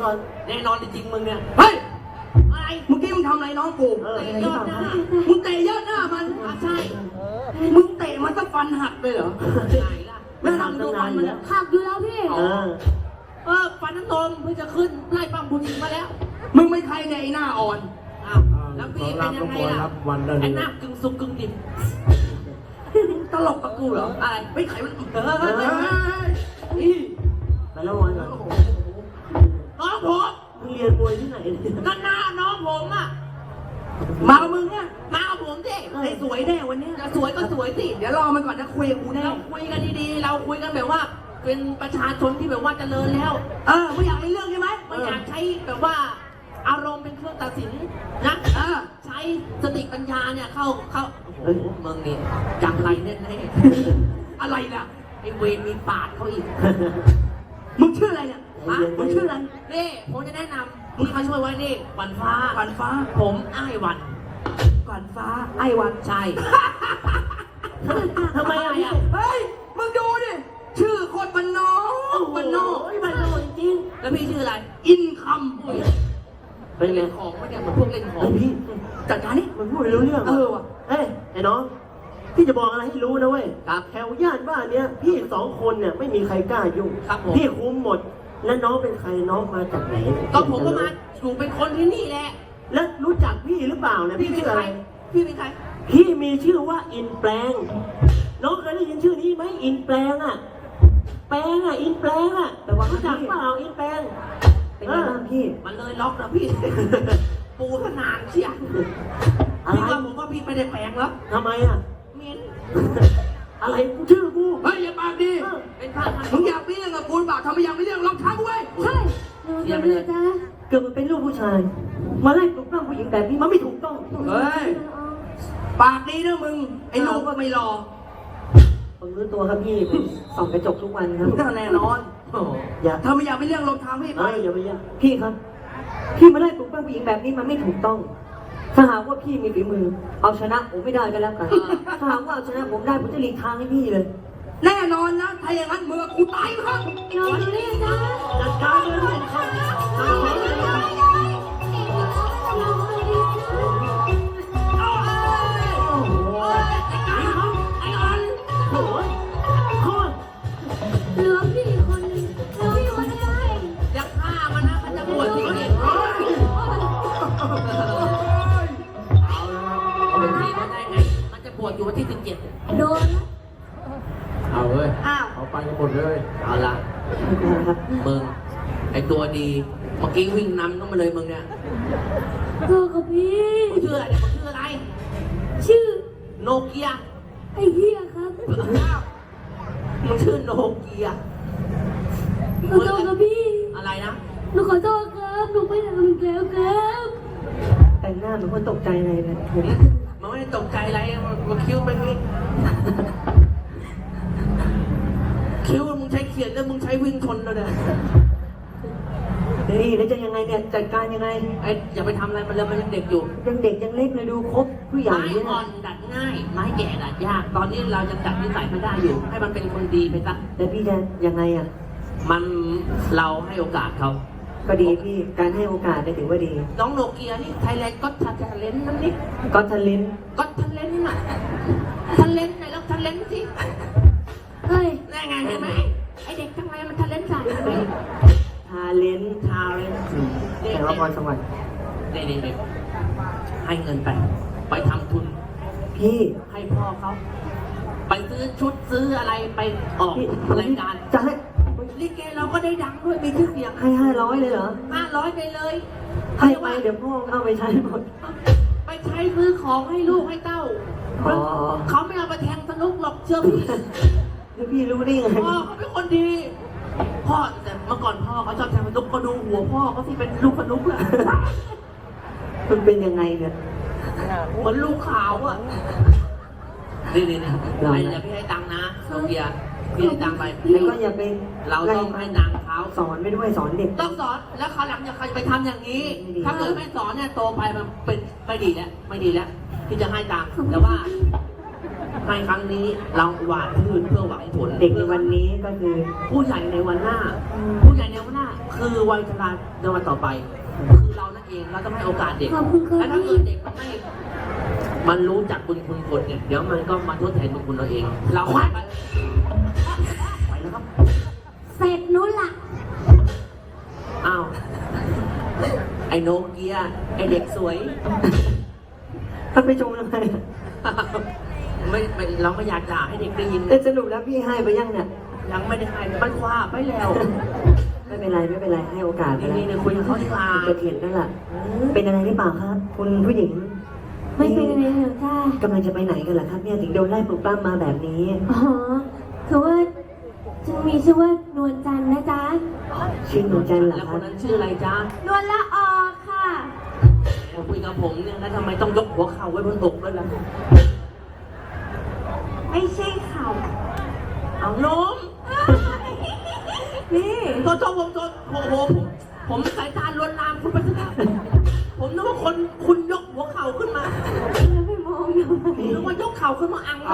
ก่อนแน่นอนจริงมึงเนี่ยเฮ้ยอะไรเมื่อกี้มึงทำอะไรน้องกูเตะยอดหน้ามึงเตะยอดหน้ามันใช่มึงเตะมันสักฟันหักเลยเหรอไหนล่ะแล้วทำดูฟันมันหักอยู่แล้วพี่ฟันน้ำนมเพิ่งจะขึ้นไล่ปั้มบุญมาแล้วมึงไม่ใครในยไอ้หน้าอ่อนอ้าวแล้วพี่เป็นยังไงล่ะไอ้หน้ากึ่งสุกกึ่งดิบตลกกับกูเหรออะไรไม่ใครมันนี่ไปแล้ววันก่อนน้องผมมึงเรียนมวยที่ไหนเนี่ยก็หน้าน้องผมอ่ะมากับมึงเนี่ยมากับผมสิไอ้สวยแน่วันเนี้ยจะสวยก็สวยสิเดี๋ยวรอมันก่อนนะคุยกับกูแน่เราคุยกันดีๆ เราคุยกันแบบว่า เป็นประชาชนที่แบบว่าเจริญแล้วไม่อยากมีเรื่องใช่ไหมไม่อยากใช้แบบว่า อารมณ์เป็นเครื่องตัดสินนะ ใช้สติปัญญาเนี่ยเข้าโอ้โหเมืองนี่จังไรแน่ๆอะไรน่ะไอ้เวรมีปาดเขาอีกมึงชื่ออะไรเนี่ยฮะมึงชื่ออะไรนี่ผมจะแนะนำพี่มาช่วยไว้นี่วันฟ้าวันฟ้าผมอ้ายวันก่อนฟ้า ไอ้วันใช่ทำไมอ่ะเฮ้ย มึงดูดิ ชื่อโคตรบันนอกบันนอกบ้านนอกจริงแล้วพี่ชื่ออะไรอินคเป็นไงเล่นของไม่เนี่ยเหมือนพวกเล่นของพี่ำจัดการนี่มันพูดไม่รู้เรื่องว่ะเอ้ยไอ้น้องพี่จะบอกอะไรให้รู้นะเว้ยครับแถวย่านบ้านเนี้ยพี่สองคนเนี่ยไม่มีใครกล้ายุ่งครับผมพี่คุมหมด แล้วน้องเป็นใครน้องมาจากไหนก็ผมก็มาอยู่เป็นคนที่นี่แหละแล้วรู้จักพี่หรือเปล่าเนี่ยพี่พี่เป็นชื่อใคอะรไรพี่เป็นใครพี่มีชื่อว่าอินแปลง น้องเคยได้ยินชื่อนี้ไหมอินแปลงอ่ะ แปลงอ่ะอินแปลงอ่ะแต่ว่ารู้จักเปล่าอินแปลงเป็นไงบ้างพี่มันเลยล็อกแล้วพี่ ปูขนาดเชียอะไรพี่ว่าผมว่าพี่ไม่ได้แปลงแล้วทำไมอ่ะเหม็นอะไรกูชื่อกูเฮ้ย อย่าปากดีเป็นผ้าพันมึงอยากมีเรื่องกับกูหรือเปล่าทำไมอยากมีเรื่องลองท้ากูไว้ใช่เดี๋ยวเลยจ้าเกิดมาเป็นลูกผู้ชาย มาไล่ปลุกปล้ำผู้หญิงแบบนี้มันไม่ถูกต้องเฮ้ย ปากดีนะมึง ไอ้หนูก็ไม่รอผมรู้ตัวครับพี่ผมส่องกระจกทุกวันครับแน่นอนโอ้โหอย่าถ้าไม่อยากมีเรื่องลองท้าพี่ไปไม่อย่าไปอย่าพี่ครับ พี่มาไล่ปลุกปล้ำผู้หญิงแบบนี้มันไม่ถูกต้อง ถ้าหากว่าพี่มีฝีมือ เอาชนะผมไม่ได้ก็แล้วกัน ถ้าหากว่าเอาชนะผมได้ผมจะหลีกทางให้พี่เลยแน่นอนนะ ถ้าอย่างนั้นมึงกับกูตายครับน้องเรียกจ้าจัดการเลย โอ้ยโคตรเหลือพี่คนนึงเหลือพี่คนนึงจะฆ่ามันนะมันจะบวชที่นี่เอาเป็นทีมันได้ไง มันจะบวชอยู่วันที่17 โดนเอาเลยอ้าวเอาไปกันหมดเลยเอาละมึงไอตัวดี เมื่อกี้วิ่งนำต้องมาเลยมึงเนี่ยเธอกับพี่มึงชื่ออะไรเนี่ยมึงชื่ออะไรชื่อโนเกียไอ้เหี้ยครับมึงชื่อโนเกียขอโทษครับพี่อะไรนะหนูขอโทษครับหนูไม่ทำอีกแล้วครับแต่งหน้าเหมือนคนตกใจอะไรเลยผมมันไม่ได้ตกใจอะไรมันคิ้วไปนี่คิ้วมึงใช้เขียนแล้วมึงใช้วิ่งชนแล้วเนี่ยนี่แล้วจะยังไงเนี่ยจัดการยังไงไอ้อย่าไปทำอะไรมันเลยมันยังเด็กอยู่ยังเด็กยังเล็กเลยดูครบผู้ใหญ่ไม้เนี่ยอ่อนดัดง่าย ไม้แก่ดัดยาก ตอนนี้เรายังดัดนิสัยไม่ได้อยู่ ให้มันเป็นคนดีไปซะแล้วพี่จะยังไงอ่ะมันเราให้โอกาสเขาก็ดีพี่การให้โอกาสเนี่ยถือว่าดีน้องโนเกียนี่ไทยแลนด์ก็ทันเลนนั่นนี่ก็ทะลินก็ทันเลนน่ะทันเลนไหนแล้วทันเลนสิเฮ้ยแน่ไงเห็นไหมไอเด็กทั้งหลายมันทันเลนใส่ไหมทาเลนทาเลนแต่ละครสวรรค์เด็กให้เงินไปทำทุนพี่ให้พ่อเขา ไปซื้อชุดซื้ออะไรไปออกพี่รายการจะให้ลิเกเราก็ได้ดังด้วยมีชื่อเสียงให้500เลยเหรอ 500ไปเลยให้ไปเดี๋ยวพ่อเอาไปใช้หมดไปใช้ซื้อของให้ลูกให้เต้าอ๋อเขาไม่เอาไปแทงสนุกหรอกเชื่อพี่แล้วพี่รู้ได้ไงพ่อเขาเป็นคนดี พ่อแต่เมื่อก่อนพ่อเขาชอบแทงสนุกก็ดูหัวพ่อเขาที่เป็นลูกสนุกแหละมันเป็นยังไงเนี่ยเหมือนลูกขาวอ่ะนี่ไอ้เดี๋ยวพี่ให้ตังค์นะโนเกียพี่ให้ตังค์ไปแล้วก็อย่าไปเราต้องให้ตังค์เขาสอนไปด้วยสอนเด็กต้องสอนแล้วคราวหลังอย่าใครไปทำอย่างนี้ไม่ดีถ้าเกิดไม่สอนเนี่ยโตไปมันเป็นไม่ดีแล้วพี่จะให้ตังค์แต่ว่าในครั้งนี้เราหวานพืชเพื่อหวังผลเด็กในวันนี้ก็คือผู้ใหญ่ในวันหน้า ผู้ใหญ่ในวันหน้า คือวัยชราในวันต่อไป คือเรานั่นเองเราต้องให้โอกาสเด็กขอบคุณค่ะและถ้าพี่เกิดเด็กมันรู้จักบุญคุณคนเนี่ยเดี๋ยวมันก็มาทดแทนบุญคุณเราเอง เราไปแล้วครับเสร็จนู้นล่ะอ้าวไอโนเกียไอเด็กสวยถ้าไปชมทำไมไม่เราไม่อยากด่าให้เด็กได้ยินแต่สรุปแล้วพี่ให้ไปยังเนี่ยยังไม่ได้ให้มันคว้าไปแล้วไม่เป็นไรไม่เป็นไรให้โอกาสไปนี่แล้วคุยกับเขาดีกว่าจะเถียงนั่นแหละเป็นอะไรหรือเปล่าครับ คุณผู้หญิงไม่เป็นอะไรหรอกจ้ากำลังจะไปไหนกันเหรอครับเนี่ยถึงโดนไล่ปลุกปล้ำมาแบบนี้อ๋อคือว่าฉันมีชื่อว่านวลจันทร์นะจ๊ะชื่อหนูจันทร์เหรอแล้วคครันบนั้นชื่ออะไรจ๊ะนวลละออค่ะคุยกับผมเนี่ยแล้วทำไมต้องยกหัวเข่าไว้บนอกด้วยล่ะไม่ใช่เขาเอาล้มนี่โทษโอ้โหผมสายตาลวนลามคุณไปซะแล้วผมนึกว่าคุณยกหัวเข่าขึ้นมาแล้วไปมองทำไมนึกว่ายกเข่าขึ้นมาอัง